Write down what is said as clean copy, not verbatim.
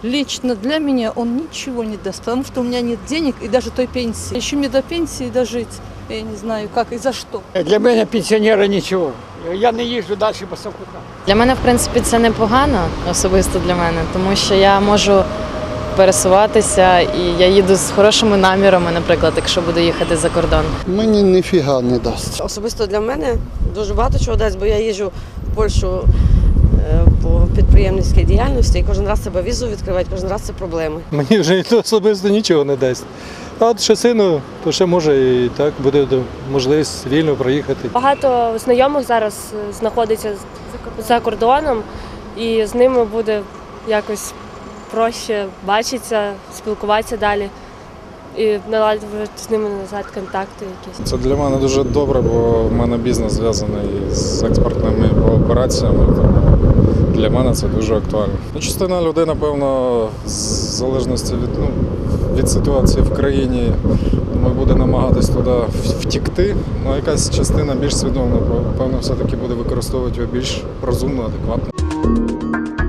Лично для меня он ничего не даст, потому что у меня нет денег и даже той пенсии. Еще мне до пенсии дожить, я не знаю как и за что. Для мене пенсіонери нічого. Я не їжджу далі по Савкухам. Для мене, в принципі, це непогано, особисто для мене, тому що я можу пересуватися і я їду з хорошими намірами, наприклад, якщо буду їхати за кордон. Мені ніфіга не дасть. Особисто для мене дуже багато чого дасть, бо я їжджу в Польщу по підприємницькій діяльності і кожен раз себе візу відкривати, кожен раз це проблеми. Мені вже особисто нічого не дасть. А от ще сину, то ще може і так буде можливість вільно проїхати. Багато знайомих зараз знаходиться за кордоном, і з ними буде якось проще бачитися, спілкуватися далі і наладити з ними назад контакти якісь. Це для мене дуже добре, бо в мене бізнес зв'язаний з експортними операціями. Тому для мене це дуже актуально. Частина людей, напевно, в залежності від ситуації в країні, думаю, буде намагатись туди втікти. Ну, якась частина більш свідома, певно, все-таки буде використовувати його більш розумно, адекватно.